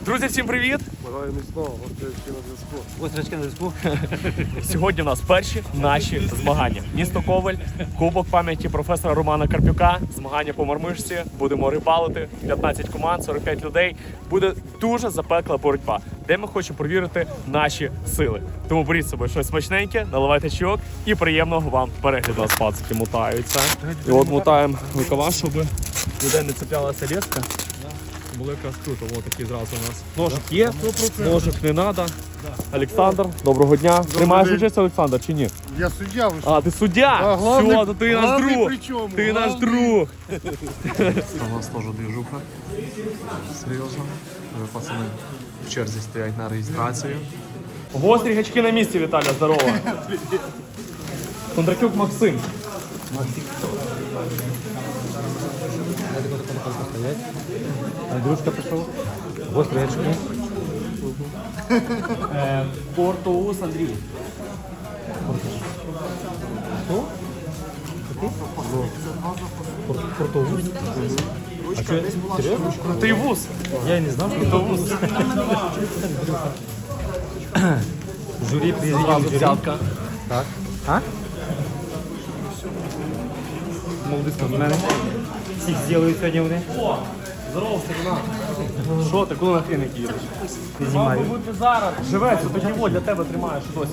Друзі, всім привіт! Бажаю міцного, гострячки на зв'язку. Сьогодні у нас перші наші змагання. Місто Ковель, Кубок пам'яті професора Романа Карпюка, змагання по мармишці, будемо рибалити, 15 команд, 45 людей. Буде дуже запекла боротьба, де ми хочемо перевірити наші сили. Тому беріть з собою щось смачненьке, наливайте чайок і приємного вам перегляду. У нас пацики мутаються. І от мутаємо рукава, щоб ніде не цеплялася леска. Було якраз круто, ось такий зразу у нас. Ножик є, ножик не треба. Олександр, доброго дня. Тримаєш участь, Олександр, чи ні? Я суддя, ви що? А, ти суддя? Все, то ти наш друг. Ти наш друг. У нас теж движуха. Серйозно. Вже пацани в черзі стоять на реєстрацію. Гострі гачки на місці, Віталя, здорово. Кондракюк Максим. Андрюшка пішов. Гострі гачки. Портоус Андрій. Хто? Портовуз? А що? Серйозно? Ти вуз. Я і не знав, що Портовуз. Журі приїздив. Взятка. Так. А? Молоді спортсмени. Всіх зробили сьогодні вони. Здорово, Сергій. Що ти, коли на хріники їдеш? Ти знімаєш. Мабуть, зараз. Живець, тоді во для тебе тримаєш досі.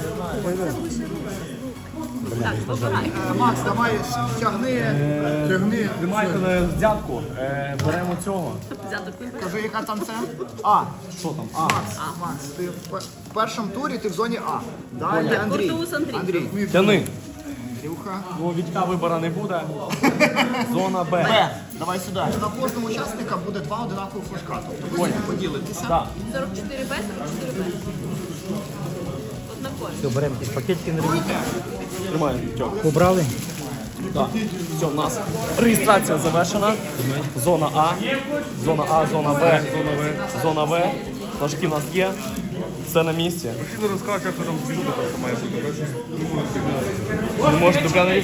Макс, давай тягни. Тримайте на взятку. Беремо цього. Кажи, яка там це? Що там? Макс, ти в першому турі ти в зоні А. Далі Андрій. Андрій. Тяни. Андрюха. Бо Вітька вибору не буде. Зона Б. Давай сюди. На кожному учасника буде два одинакових флажка. Тобто ви поділитеся. Так. 44Б, 44Б. Однакові. Все, беремо ті пакетики на ремонт. Тримаємо Вітьок. Побрали? Так. Все, у нас реєстрація завершена. Зона А. Зона А, зона Б. Зона В. Флажки у нас є. Все на місці. Ти розкажеш, як там движуха там має бути. Не можеш до камери.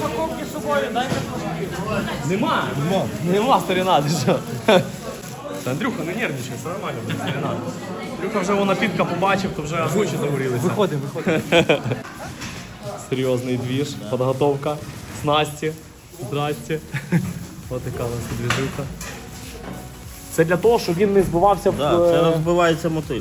Нема. Нема, старина, ти що? Та Андрюха, не нервничай, все нормально, старина. Андрюха вже вона підка побачив, то вже аж очі загорілися. Виходимо. Серйозний двіж, підготовка, снасті, здрасті. Ось така у нас двіжуха. Це для того, щоб він не збивався в... Так, це розбивається мотиль.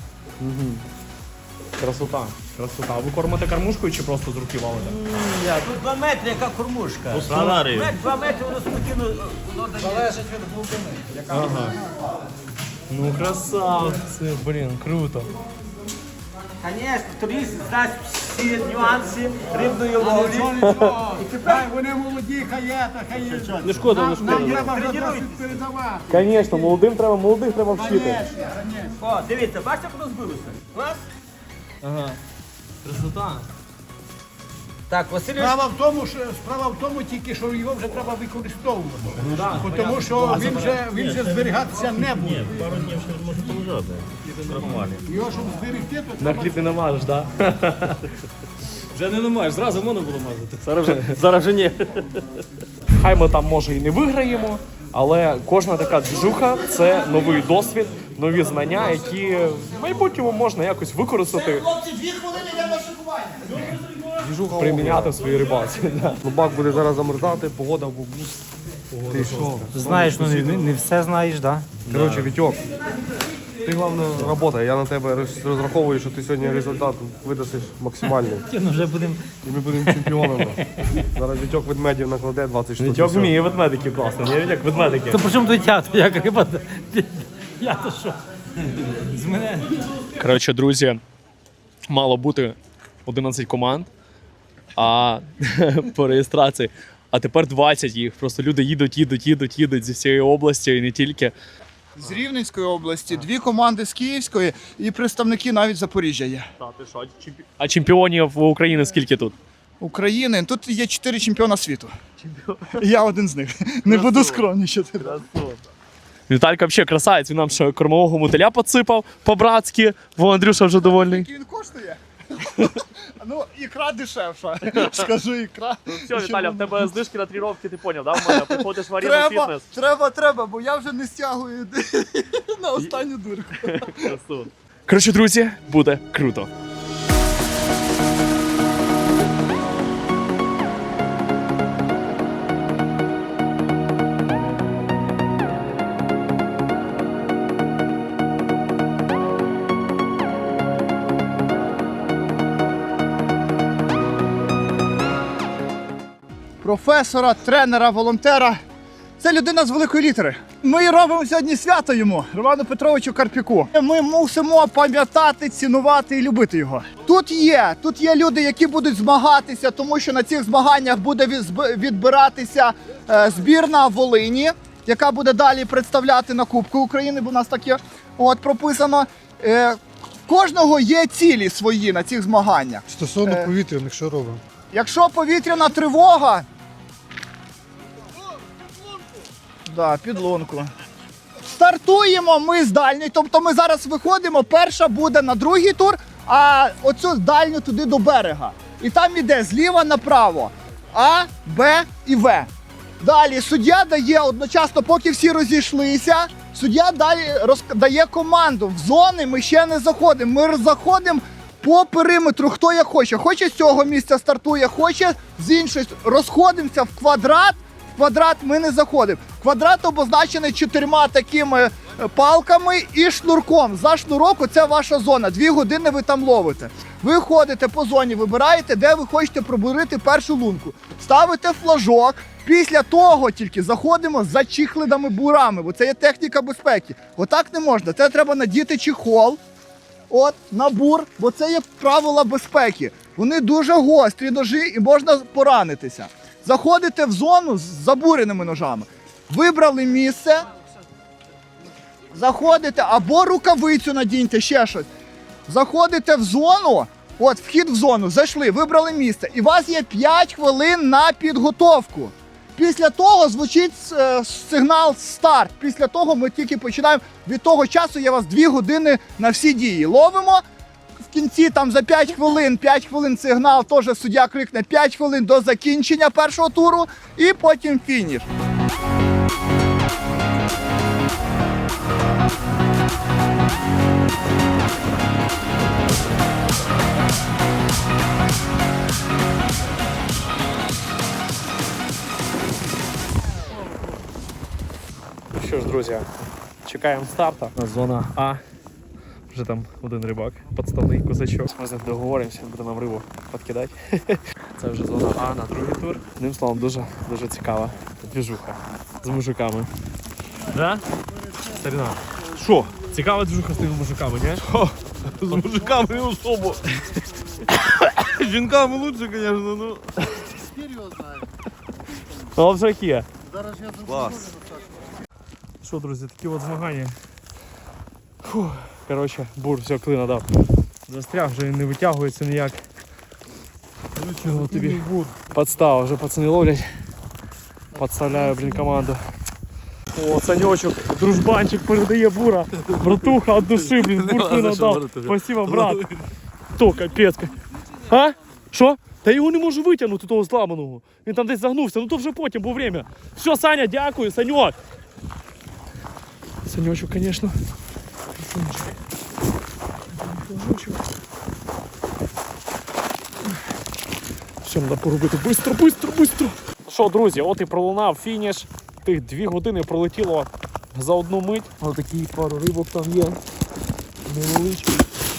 Красота. Красота. А ви кормите кормушкою чи просто з руки валите? Тут 2 метри, яка кормушка. Сценарію. 2 метри воно спокійно. Залежить від глибини. Ага. Ну красавці, блін, круто. Звісно, турист дасть всі нюанси рибної ловлі. Вони молоді, хай є. Не шкода, не шкода. Тренують. Звісно, молодих треба вчити. О, дивіться, бачите, як воно збилося? Клас? Ага. Красота. Так, Василь. Справа в тому тільки, що його вже треба використовувати. Ну, да, Тому що він вже зберігатися не буде. Ні, пару днів ще може полежати. Нормально. Його, щоб зберегти, то на хліб не намажеш, так? Вже не намаєш, зразу можна було мазати. Зараз вже ні. Хай ми там, може, і не виграємо, але кожна така движуха – це новий досвід, нові знання, які в майбутньому можна якось використати, приміняти в своїй рибалці. Бак буде зараз замерзати, погода в бубу. Ти що? Знаєш, ну не все знаєш, так? Коротше, Вітьок, ти, головне, робота. Я на тебе розраховую, що ти сьогодні результат видасиш максимальний. Ну вже будемо. І ми будемо чемпіонами. Зараз Вітьок ведмедів накладе 20 штук. Вітьок вміє ведмедики класно, ні? Як ведмедики. То при чому тут я? Як риба? Я то що? З мене. Коротше, друзі, мало бути 11 команд, а по реєстрації. А тепер 20 їх. Просто люди їдуть зі всієї області і не тільки. З Рівненської області, 2 команди з Київської і представники навіть Запоріжжя є. А чемпіонів України скільки тут? України. Тут є 4 чемпіона світу. Я один з них. Не буду скромнічати. Віталька взагалі красавець, він нам ще кормового мотиля підсипав по-братськи, бо Андрюша вже довольний. Він коштує. Ну, ікра дешевша. Скажу, ікра. Все, Віталя, в тебе знижки на тренування, ти поняв, да? В мене приходиш в Арена Фітнес. Треба, бо я вже не стягую на останню дурку. Коротше, друзі, буде круто. Професора, тренера, волонтера. Це людина з великої літери. Ми робимо сьогодні свято йому, Роману Петровичу Карпюку. Ми мусимо пам'ятати, цінувати і любити його. Тут є люди, які будуть змагатися, тому що на цих змаганнях буде відбиратися збірна Волині, яка буде далі представляти на Кубку України, бо у нас таке прописано. Кожного є цілі свої на цих змаганнях. Стосовно повітряних, що робимо? Якщо повітряна тривога, підлунку. Стартуємо ми з дальньої, тобто ми зараз виходимо, перша буде на другий тур, а оцю дальню туди до берега. І там іде зліва направо А, Б і В. Далі суддя дає одночасно, поки всі розійшлися, суддя далі дає команду. В зони ми ще не заходимо, ми заходимо по периметру, хто як хоче. Хоче з цього місця стартує, хоче з іншої. Розходимося в квадрат. В квадрат ми не заходимо. Квадрат обозначений 4 такими палками і шнурком. За шнурок – це ваша зона. 2 години ви там ловите. Ви ходите по зоні, вибираєте, де ви хочете пробурити першу лунку. Ставите флажок. Після того тільки заходимо за чіхлидами бурами, бо це є техніка безпеки. Отак не можна. Це треба надіти чехол. На бур, бо це є правила безпеки. Вони дуже гострі ножі і можна поранитися. Заходите в зону з забуреними ножами. Вибрали місце, заходите, або рукавицю надіньте, ще щось. Заходите в зону, вхід в зону, зайшли, вибрали місце. І у вас є 5 хвилин на підготовку. Після того звучить сигнал «Старт». Після того ми тільки починаємо. Від того часу є у вас 2 години на всі дії. Ловимо. В кінці там за 5 хвилин сигнал, теж суддя крикне 5 хвилин до закінчення першого туру і потім фініш. Що ж, друзі, чекаємо старта. Зона А. Вже там один рибак, підставний козачок. Ми з ним договоримося, він буде нам рибу підкидати. Це вже зона А на другий тур. Одним словом, дуже цікава двіжуха з мужиками. Да? Старина. Що? Цікава двіжуха з тими мужиками, ні? З мужиками не особо. З жінками лучше, звісно, ну. Ну, вже є. Клас. Що, друзі, такі от змагання. Фух. Коротше, бур все клина дав. Застряг, вже він не витягується ніяк. Чого тобі подстава, вже пацани ловлять. Подставляю, команду. О, Санечок, дружбанчик передає бура. Братуха от душі, бур клина дав. Спасибо, брат. То, капець. А? Що? Та його не можу витягнути, того зламаного. Він там десь загнувся, ну то вже потім, бо время. Все, Саня, дякую, Саньок. Санечок, звісно. Все, треба поробити быстро. Ну що, друзі, от і пролунав фініш. Тих 2 години пролетіло за одну мить. Ось такі пару рибок там є. Невеличкі.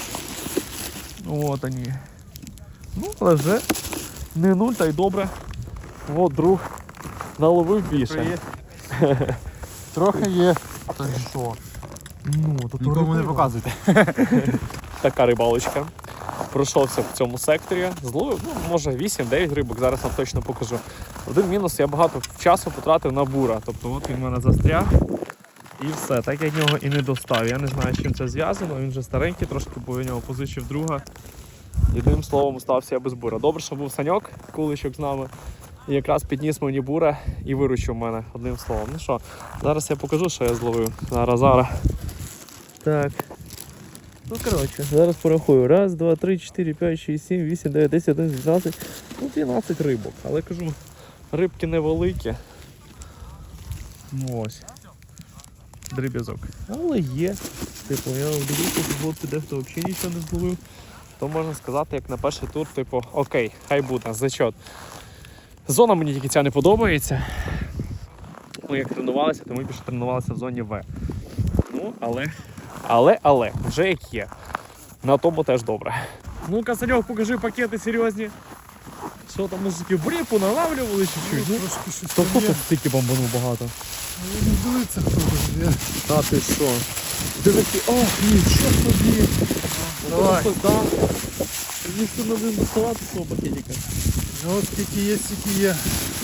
От вони. Ну, але вже не нуль, та й добре. От друг наловив більше. Трохи є. Та що? Ну, то Нікому не показуйте. Така рибалочка. Пройшовся в цьому секторі, зловив, може 8-9 рибок, зараз вам точно покажу. Один мінус, я багато часу потратив на бура, тобто от він в мене застряг і все, так я нього і не достав. Я не знаю, з чим це зв'язано, він вже старенький трошки, бо я нього позичив друга. Єдиним словом, остався я без бура. Добре, що був Саньок, куличок з нами, і якраз підніс мені бура і виручив мене, одним словом. Ну що, зараз я покажу, що я зловив. Зараз. Так. Ну, коротше, зараз порахую. Раз, два, три, 4, 5, 6, 7, 8, 9, 10, 11, 12. Ну, 12 рибок. Але кажу, рибки невеликі. Ну ось. Дріб'язок. Але є. Типу, я дивлюся, що хлопці дехто взагалі нічого не зловив. То можна сказати, як на перший тур, типу, окей, хай буде, зачет. Зона мені тільки ця не подобається. Ми як тренувалися, то ми більше тренувалися в зоні В. Ну, але, вже як є. На тому теж добре. Ну-ка, Саньок, покажи пакети серйозні. Що там музики? Бріпу налавлювали чуть-чуть? Ну, то хто тут стільки бомбанув багато? Не дивиться, хто тут є. Та ти що? Дивіться, ох, нічого собі. Давай. Так. Ніхто не буде доставати свого пакетика. Ну, от скільки є, стільки є.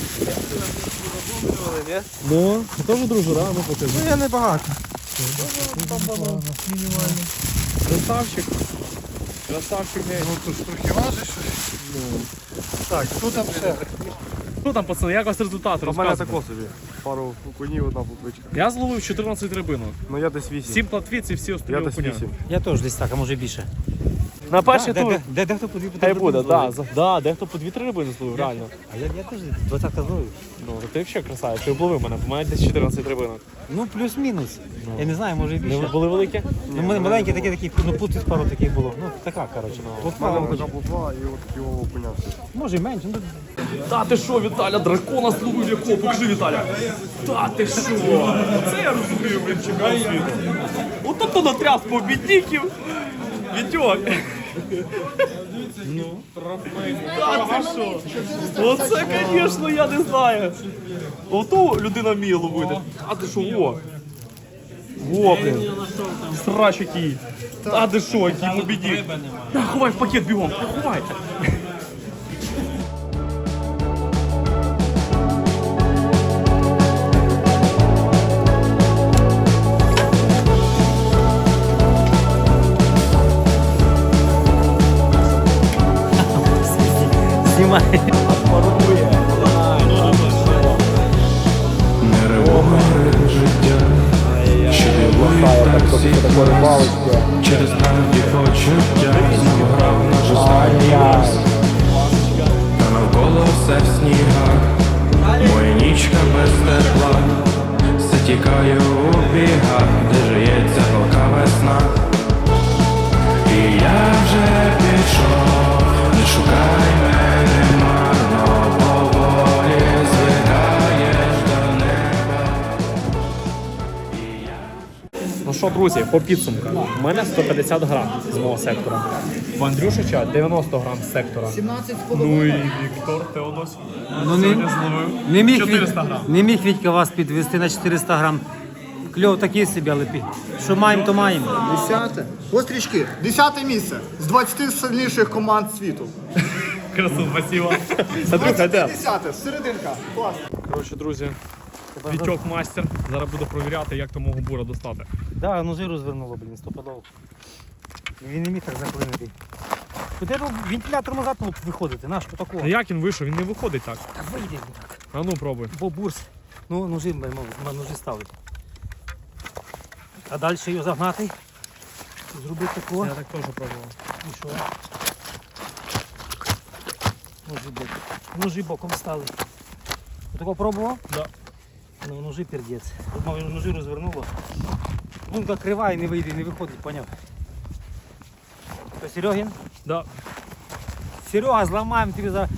Ну, теж дружина, ну покажи. Ну, я не багато. Мінімально. Красавчик. Красавчик, гей. Ну, тут ж трохи важиш. Так, хто там ще? Що там, пацани, як у вас результат? У мене Розказуйте. тако собі. Пару окунів, одна плотвичка. Я зловив 14 рибинок. Ну, я десь 8. 7 платвіць і всі Я остальні десь окуня. 8. Я теж десь так, а може більше. На перший тур. Дехто по дві Хай буде, да, дехто по 2-3 рибини зловив, реально. А я теж 20 зловив. Ну, то ти взагалі красавець, ти обловив мене, у мене десь 14 рибинок. Ну, плюс-мінус. Я не знаю, може і Не більше. були великі? Ну, в мене маленькі такі, ну тут пару таких було. Ну, така, коротше. У мене така плотва і от такі окуня. Може і менше, ну, Та ти що, Віталя, дракона зловив якого? Покажи, Віталя. Та ти що? Оце я розумію, блін, чемпіон світу. Ото то натряс побідників. Вітьок. Ну, та ти що? Оце, звісно, я не знаю. Ото людина вміє ловити. А ти що, во? Во, блін. Срач який. Та ти що, який побідник. Та ховай в пакет бігом, ховай. знімай. Неревове життя, що дивує таксі, через правді почуття, знову грав наш останній раз, та навколо все в снігах, моя нічка без тепла, все тікає у бігах, де жиється палка весна. І я вже пішов, не шукай мене марно, поволі звикаєш до неба. Ну що, друзі, по підсумкам. У мене 150 грам з мого сектора. В Андрюшича 90 грам з сектора. 17 Ну і Віктор Теонос Ну, сьогодні зловив не міг 400 грам. Не міг Вітька вас підвести на 400 грам. Кльов такий собі, але що маємо, то маємо. 10. Острічки, 10 місце з 20 сильніших команд світу. Красу, спасибо. Андрюха, де? 10, серединка. Клас. Коротше, друзі, Вітьок мастер. Зараз буду провіряти, як то мого бура достати. Да, ножи розвернуло, блін, стопудово. Він не міг так заклинити. Куди вентилятор назад було виходити, наш по такого. А як він вийшов? Він не виходить так. Та вийде він так. А ну пробуй. Бо бурс. Ну, ножи ставить. А далі його загнати. Зробити такого. Я так теж пробував. І що? Ножи боком стали. Ти такого пробував? Да. Ну, ножи пердець. Тут мав ножи розвернуло. Лунка крива і не вийде, не виходить, поняв? То Серегін? Да. Серега, зламаємо тобі за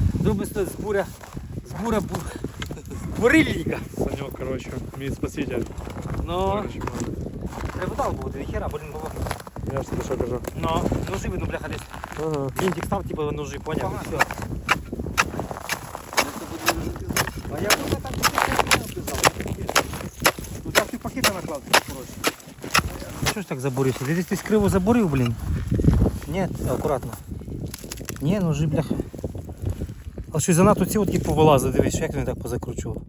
бурильника. Санек, коротше, мій спаситель. Ну, треба дал буде, ніхера, блін, було. Я ж тобі що кажу. Ну, ножи видно, бляха, десь. Ага. Вінтик став, типу, ножи, поняв? І все. А я вже там туди ти пакети наклав, коротше. Що ж так забурився? Ти десь криво забурив, блін? Ні, акуратно. Ні, ножи, бляха. А що занадто ці отки повилазили, дивись, як він так позакручував.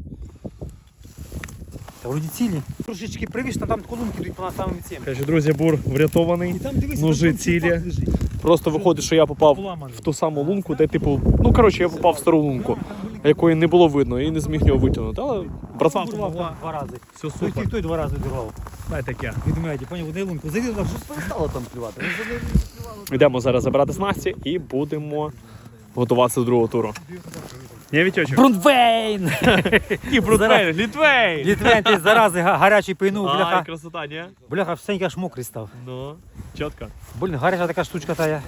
Та вроді цілі. Трошечки привіж, там колонки йдуть по самим цим. Коротше, друзі, бур врятований. І там дивись, Ножи там цілі. чувак лежить. Просто виходить, що я попав Поламаний. в ту саму лунку, де типу, ну коротше, я попав в стару лунку. якої не було видно і не зміг його витягнути. Але братва допомогла. Два рази. Все Той супер. той два рази дірвав. Дай таке. Відміняйте, поняв, в лунку. Зайди туди, щось перестало там плювати. Йдемо зараз забирати снасті і будемо готуватися до другого туру. Ні, Вітьочок? Брунвейн! І Брунвейн, Літвейн! Літвейн, ти зарази гарячий пийнув, Ай, бляха. красота, ні? Бляха, всенький аж мокрий став. Ну, чітко. Блін, гаряча така штучка тая.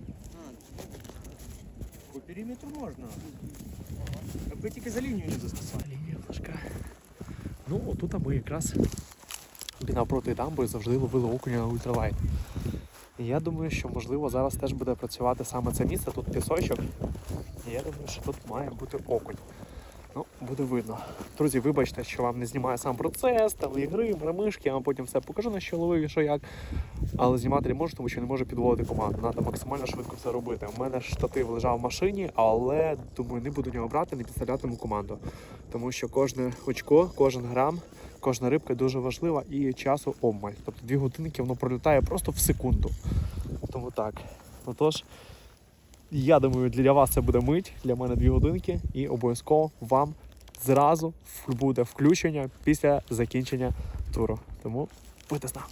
По периметру можна. Аби тільки за лінію не заскасали. Лінія флажка. Ну, отут ми якраз навпроти дамби завжди ловили окуня на ультралайт. І я думаю, що можливо зараз теж буде працювати саме це місце, тут пісочок. І я думаю, що тут має бути окунь. Ну, буде видно. Друзі, вибачте, що вам не знімаю сам процес, там ігри, мрамишки, я вам потім все покажу, на що ловив і що як. Але знімати не можу, тому що не можу підводити команду. Треба максимально швидко все робити. У мене штатив лежав в машині, але, думаю, не буду нього брати, не підставлятиму команду. Тому що кожне очко, кожен грам, кожна рибка дуже важлива і часу обмаль. Тобто 2 годинки воно пролітає просто в секунду. Тому так. Отож, я думаю, для вас це буде мить, для мене 2 годинки і обов'язково вам зразу буде включення після закінчення туру. Тому будьте з нами.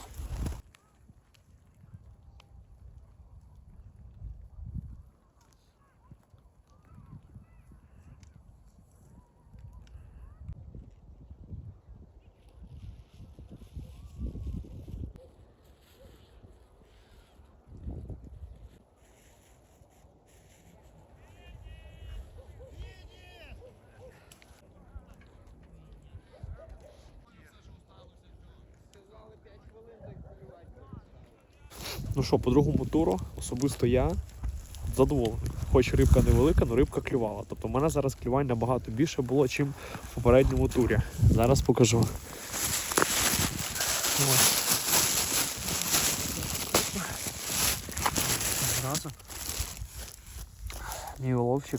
Ну що, по другому туру особисто я задоволений. Хоч рибка невелика, але рибка клювала. Тобто в мене зараз клювань набагато більше було, ніж в попередньому турі. Зараз покажу. Зразу. Мій уловчик.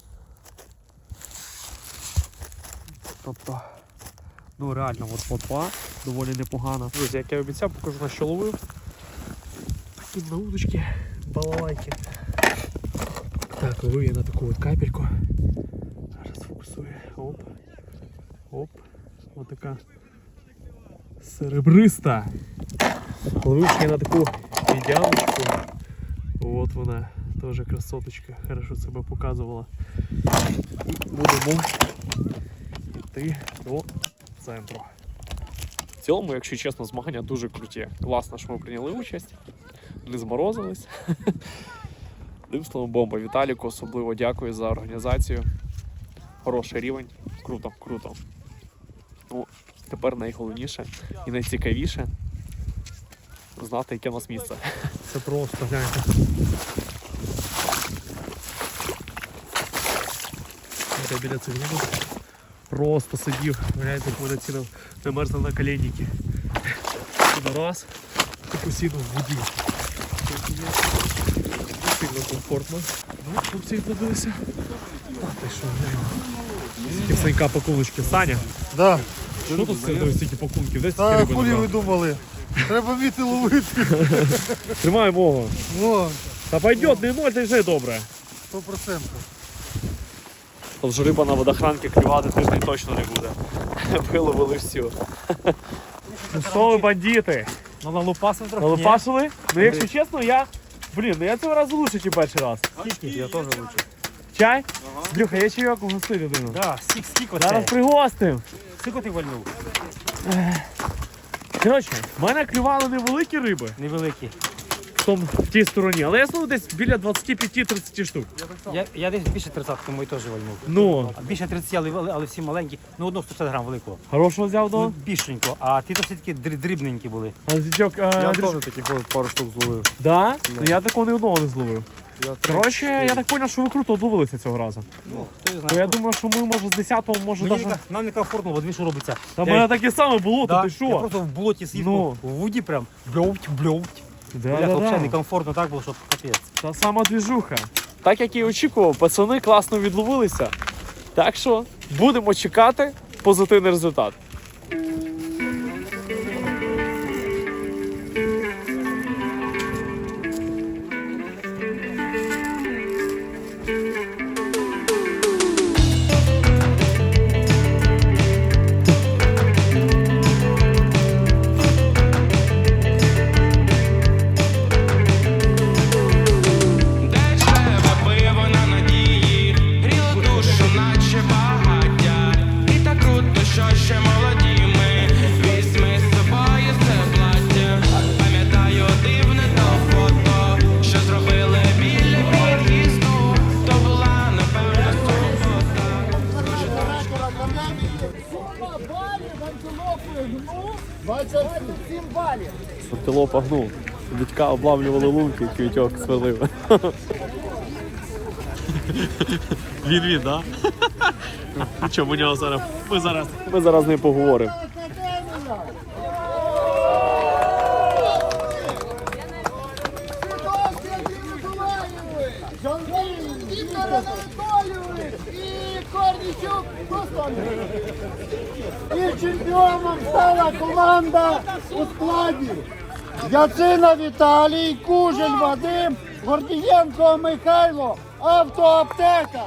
Тобто, ну реально, от плотва доволі непогана. Друзі, як я обіцяв, покажу, на що ловив. Такі на удочки, балалайки. Так, ловив я на таку от капельку. Зараз фокусую. Оп. Оп. Ось така серебриста. Ловив я на таку медяночку. От вона, теж красоточка. Хорошо себе показувала. І будемо йти до центру. В цілому, якщо чесно, змагання дуже круті. Класно, що ми прийняли участь. Не зморозились. Одним словом, бомба. Віталіку особливо дякую за організацію. Хороший рівень. Круто, круто. Ну, тепер найголовніше і найцікавіше знати, яке у нас місце. Це просто, гляньте. Я біля цих рибок просто сидів. Гляньте, як мене цілив, не мерзнув на коленники. Раз, і посідав в воді. Сильно комфортно. Ну, хлопці відбудилися. Ти що, глянь. Скільки Санька пакуночки. Саня, Да. що тут серед стільки пакунків? Де стільки Та риби хулі ви набрав? думали? Треба вміти ловити. Тримай мого. О, Та пойдет, не ноль, та й вже добре. 100%. Тож риба на водохранки клювати тиждень точно не буде. Виловили всю. Ну що ви, бандити? Ну налупасив трохи. Налопашили? Ну якщо чесно, я цього разу лучше, ніж перший раз. Ні, я теж лучше. Чай? Брюха, я чайок угостив людину. Да, скільки Зараз це? пригостим. Скільки ти вальнув? Коротше, в мене клювали невеликі риби Невеликі. в тій стороні, але я знову десь біля 25-30 штук. Я десь більше 30, тому і теж вальнув. Ну, А більше 30, але всі маленькі. Ну, одного 150 грам великого. хорошого взяв Ну, до. більшенько. А ти то все таки дрібненькі були. А зятьок, Я теж таких пару штук зловив. да? Ну я такого ні одного не зловив. Коротше, я так зрозумів, що ви круто одловилися цього разу. Хто його Бо я знає. думаю, що ми, може, з 10-го, може, Мені навіть... нам не комфортно, бо дві що робиться. Та в мене таке саме було, то Да, ти я що? просто в болоті сидів, Ну. в воді прям бльовть. Бляха, взагалі некомфортно так було, що капець. Та сама двіжуха. Так як і очікував, пацани класно відловилися. Так що будемо чекати позитивний результат. село погнув. Дідька облавлювали лунки, квітьок сверлив. Він, да? Що, ми нього зараз. Ми зараз з ним поговоримо. І Корнічук і чемпіоном стала команда у складі Яцина Віталій, Кужель Вадим, Гордієнко Михайло, Автоаптека.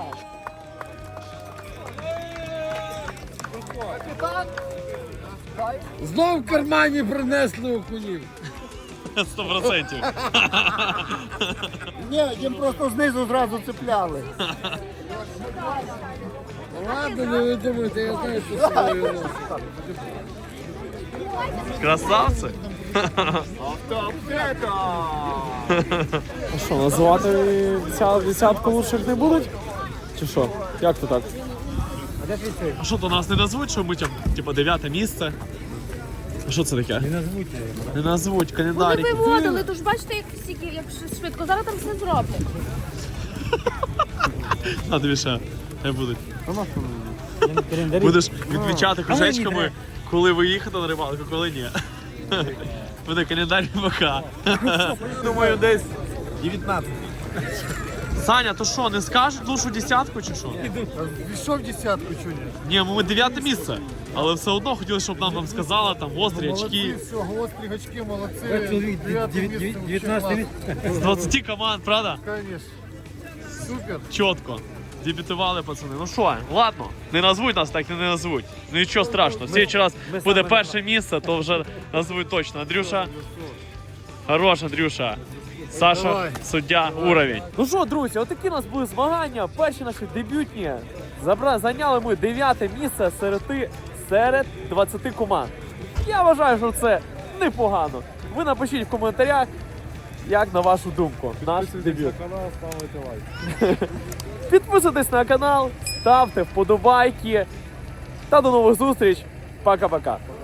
Знов в кармані принесли окунів. 100%. Ні, їм просто знизу зразу цепляли. Ладно, не ви думаєте, я знаю, що з собою носить. Красавці. А що, називати десятку лучших не будуть? Чи що? Як то так? А що, то нас не назвуть, що ми типа 9 місце? А що це таке? Не назвуть, Вони календарі. виводили, то ж бачите, як швидко. Зараз там все зроблять. А тобі ще не будуть. Будеш відмічати кружечками, коли ви їхати на рибалку, коли ні. Буде календар рибака. Думаю, десь 19. Саня, то що, не скажуть лучшу десятку чи що? Пішов десятку, чуні. Ні, ми 9 місце. Але все одно хотіли, щоб нам сказали, там гострі очки. все, гострі очки, молодці. 19 З 20 команд, правда? Конечно. Супер. Чітко. Дебютували пацани. Ну що, ладно, не назвуть нас, так і не назвуть. Ну нічого страшного. В следующий раз буде перше місце, то вже назвуть точно. Андрюша. Хорош, Андрюша. Саша, суддя, уровень. Ну що, друзі, отакі у нас були змагання. Перші наші дебютні. Зайняли ми 9 місце серед 20 команд. Я вважаю, що це непогано. Ви напишіть в коментарях, як на вашу думку, наш дебют. Підписуйтесь на канал, ставте вподобайки. Та до нових зустріч. Пока-пока.